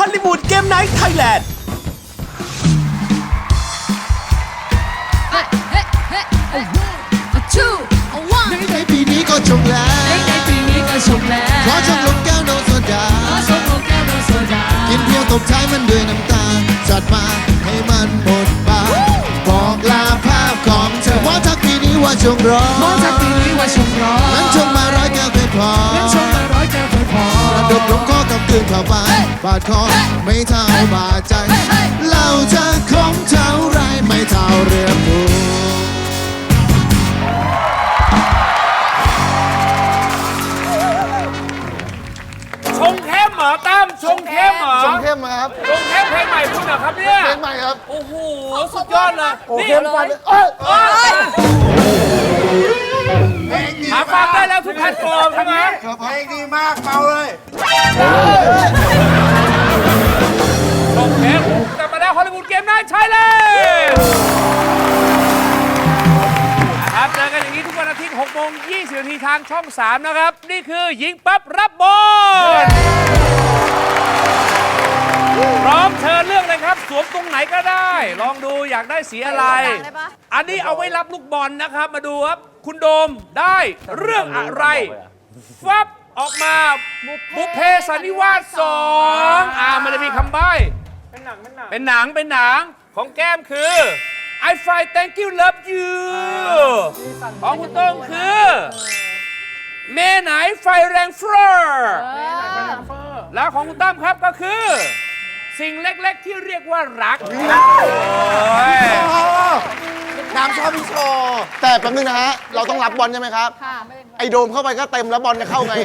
อลลีวูดเกมไนท์ไทยแลนด์ในปีนี้ก็ชงแล้วขอชงลงแก้วโนโซดากินเพียวตบท้ายมันด้วยน้ำตาจัดมาให้มันหมดบาบอกลาภาพของเธอหมอทักปีนี้ว่าชงร้อนนั้นชงมาร้อยแก้วเคยพอระดมลงคอกับคืนเข้าไปบาดคอไม่เท่าบาดใจเราจะคงเท่าไรไม่เท่าเรือผูชงเข้มเหรอตั้มชงเข้มเหรอชงเข้มครับชงเข้มเพลงใหม่คุณเหรอครับเนี่ยเพลงใหม่ครับโอ้โหสุดยอดเลยโอ้นี่เข้มกว่าเลยเอ้ยหาฟังได้แล้วทุกแพลตฟอร์มใช่ไหมเพลงดีมากเมาเลยชงเข้มกลับมาแล้วฮอลลีวูดเกมไนท์ไทยแลนด์ครับเจอกันอย่างนี้ทุกวันอาทิตย์6 โมง 20 นาทีทางช่อง 3 นะครับ นี่คือยิงปั๊บรับบอลพร้อมเชิญเลือกเลยครับสวมตรงไหนก็ได้ ลองดูอยากได้สีอะไร อันนี้เอาไว้รับลูกบอลนะครับ มาดูครับ คุณโดมได้เรื่องอะไรฟับออกมาบุพเพสันนิวาส2มันจะมีคำใบ้เป็นหนังของแก้มคือ I find thank you love you ของคุณโต้งคือเมไหนไฟแรงเฟ้อแล้วของคุณตั้มครับก็คือสิ่งเล็กๆที่เรียกว่ารักน้ำชอบพี่โชว์แต่แป๊บนึงนะฮะ เราต้องรับบอลใช่ไหมครับ ไอโดมเข้าไปก็เต็มแล้วบอลจะเข้าไง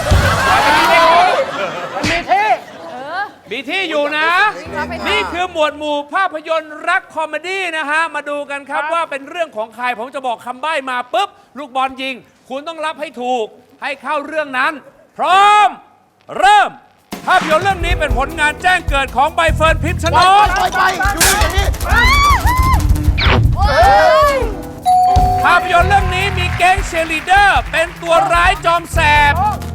มีที่อยู่นะ นี่คือหมวดหมู่ภาพยนตร์รักคอมเมดี้นะฮะ มาดูกันครับว่าเป็นเรื่องของใคร ผมจะบอกคำใบ้มาปุ๊บ ลูกบอลยิง คุณต้องรับให้ถูกให้เข้าเรื่องนั้น พร้อม เริ่ม ภาพยนตร์เรื่องนี้เป็นผลงานแจ้งเกิดของใบเฟิร์นพิมชนกไปอยู่นี่อย่างนี้ภาพยนตร์เรื่องนี้มีแก๊งเชียร์ลีดเดอร์เป็นตัวร้ายจอมแสบ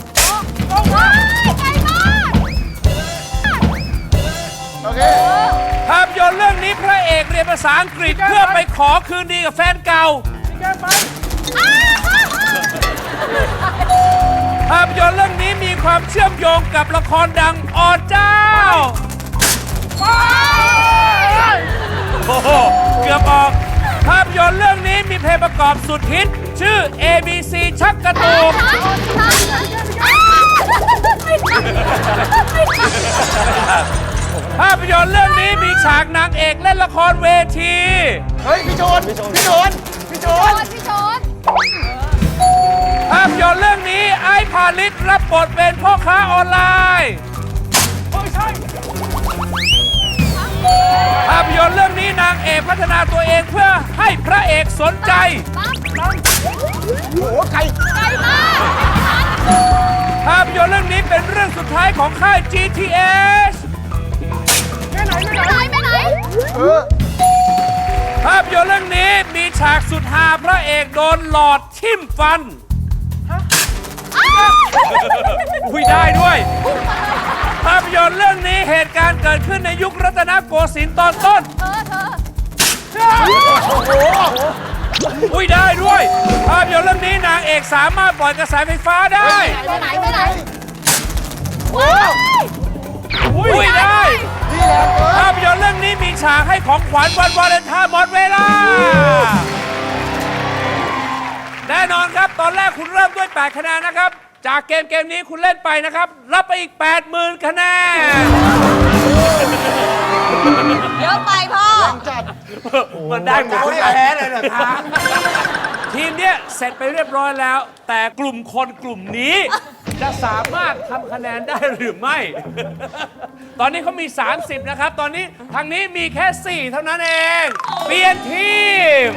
โอเคภาพยนตร์เรื่องนี้พระเอกเรียนภาษาอังกฤษเพื่อไปขอคืนดีกับแฟนเก่า ภาพยนตร์เรื่องนี้มีความเชื่อมโยงกับละครดังอเจ้าโอ้โหเกือบออกภาพยนตร์เรื่องนี้มีเพลงประกอบสุดฮิตชื่อ ABC ชักกระตุกภาพยนตร์เรื่องนี้มีฉากนางเอกเล่นละครเวทีเฮ้ย พี่โจนภาพยนตร์เรื่องนี้ไอ้พาลิสรับบทเป็นพ่อค้าออนไลน์ภาพยนตร์เรื่องนี้นางเอกพัฒนาตัวเองเพื่อให้พระเอกสนใจภาพยนตร์เรื่องนี้เป็นเรื่องสุดท้ายของค่าย GTS ภาพยนตร์เรื่องนี้มีฉากสุดฮาพระเอกโดนหลอดทิ่มฟันคุยได้ด้วย ภาพยนตร์เรื่องนี้เหตุการณ์เกิดขึ้นในยุครัตนโกสินทร์ตอนต้นคุยได้ด้วย ภาพยนตร์เรื่องนี้นางเอกสามารถปล่อยกระแสไฟฟ้าได้คุยได้ภาพยนตร์เรื่องนี้มีฉากให้ของขวัญวันวาเลนไทน์หมดเวลาแน่นอนครับตอนแรกคุณเริ่มด้วย8 คะแนนนะครับจากเกมนี้คุณเล่นไปนะครับรับไปอีก 80,000 คะแนนเยอะไปพ่อมันได้หมดทุกแพ้เลยเหรอคะทีมเนี้ยเสร็จไปเรียบร้อยแล้วแต่กลุ่มคนกลุ่มนี้จะสามารถทำคะแนนได้หรือไม่ ตอนนี้เขามี 30 นะครับตอนนี้ทางนี้มีแค่ 4 เท่านั้นเองเปลี่ยนทีม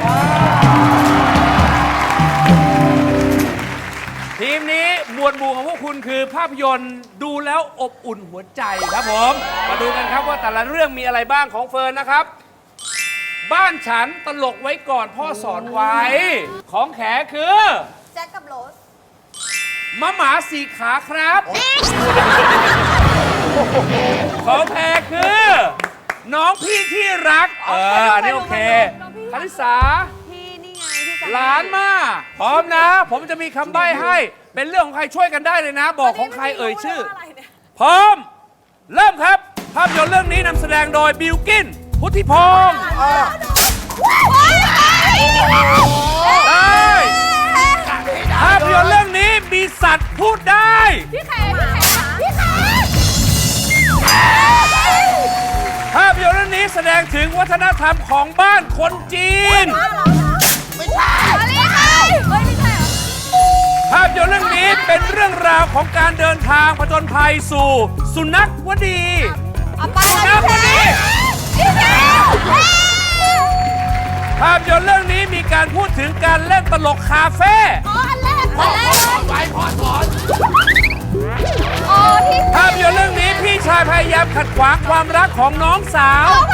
ทีมนี้หมวดหมู่ของพวกคุณคือภาพยนตร์ดูแล้วอบอุ่นหัวใจครับผมมาดูกันครับว่าแต่ละเรื่องมีอะไรบ้างของเฟิร์นนะครับบ้านฉันตลกไว้ก่อนพ่อสอนไว้ของแขคือแจ็คกับโรสมะหมา4 ขาครับของแพรคือ น้องพี่ที่รัก อันนี้โอเคคาริสาพี่นี่ไงพี่สหลานมาพร้อมนะ ผมจะมีคำใบ้ให้ เป็นเรื่องของใครช่วยกันได้เลยนะ บอกของใครเอ่ยชื่อ พร้อม เริ่มครับ ภาพยนตร์เรื่องนี้นำแสดงโดยบิลกิน พุทธิพงศ์ได้ภาพยนตร์เรื่องนี้มีสัตว์พูดได้พี่แขกพี่แขกภาพยนตร์เรื่องนี้แสดงถึงวัฒนธรรมของบ้านคนจีนไม่ใช่ไม่ใช่เฮ้ยไม่ใช่ภาพยนตร์เรื่องนี้เป็นเรื่องราวของการเดินทางผจญภัยสู่ สุนัขวดีเอาไปสุนัขวดีพี่แขกภาพยนตร์เรื่องนี้มีการพูดถึงการเล่นตลกคาเฟ่อันแรกไปพอสอนโอ้พี่ภาพยนตร์เรื่องนี้พี่ชายพยายามขัดขวางความรักของน้องสาวโอเค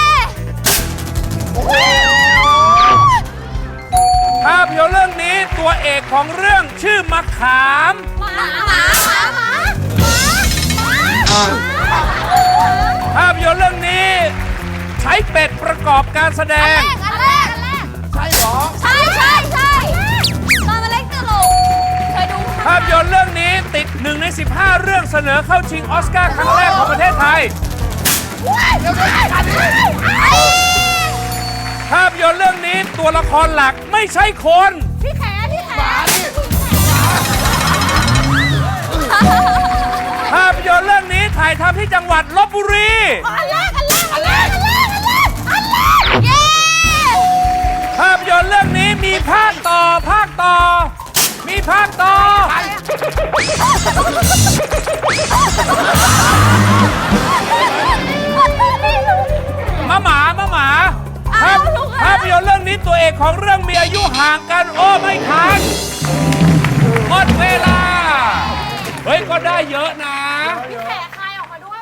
ภาพยนตร์เรื่องนี้ตัวเอกของเรื่องชื่อมะขามหมาภาพยนตร์เรื่องนี้ใช้เป็ดประกอบการแสดงอันแรกใช่หรอใช่ตอนมาเล่นตลกเคยดูภาพยนตร์เรื่องนี้ติด1 ใน 15 เรื่องเสนอเข้าชิงออสการ์ครั้งแรกของประเทศไทย ภาพยนตร์เรื่องนี้ตัวละครหลักไม่ใช่คนพี่แขกหมาดิภาพยนตร์เรื่องนี้ถ่ายทำที่จังหวัดลบบุรีอันแรกเย้ภาพยนตร์เรื่องนี้มีภาคต่อ มีภาคต่อ มาหมาภาพยนตร์เรื่องนี้ตัวเอกของเรื่องมีอายุห่างกัน โอ้ไม่ทันหมดเวลา เฮ้ย ก็ได้เยอะนะพี่แขกคายออกมาด้วย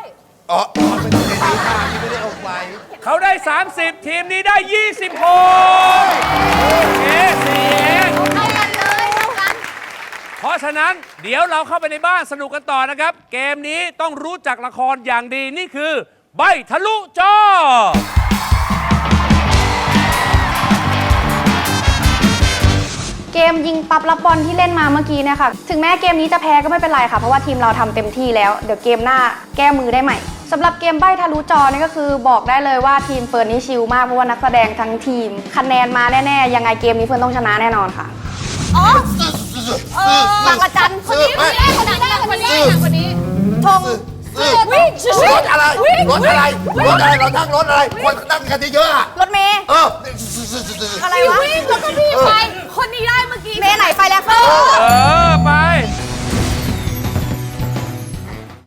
เขาได้ 30 ทีมนี้ได้ 26โอเค4เองเท่ากันเลยเท่ากันเพราะฉะนั้นเดี๋ยวเราเข้าไปในบ้านสนุกกันต่อนะครับ เกมนี้ต้องรู้จักละครอย่างดีนี่คือ ใบทะลุจอเกมยิงปั๊บรับบอลที่เล่นมาเมื่อกี้เนี่ยค่ะ ถึงแม้เกมนี้จะแพ้ก็ไม่เป็นไรค่ะ เพราะว่าทีมเราทำเต็มที่แล้ว เดี๋ยวเกมหน้าแก้มือได้ใหม่สำหรับเกมใบ้ทะลุจอนี่ก็คือบอกได้เลยว่าทีมเฟิร์นนี่ชิลมากเพราะว่านักแสดงทั้งทีมคะแนนมาแน่ๆยังไงเกมนี้เฟิร์นต้องชนะแน่นอนค่ะอ๋อบางระจันคนนี้คนนี้ชงวิ่งรถอะไรเรานั่งรถอะไรคนนั่งกันเยอะๆอะรถเมย์อะไรอะไรวะวิ่งแล้วก็พี่ไปคนนี้ได้เมื่อกี้เมย์ไหนไปแล้วค่ะเออ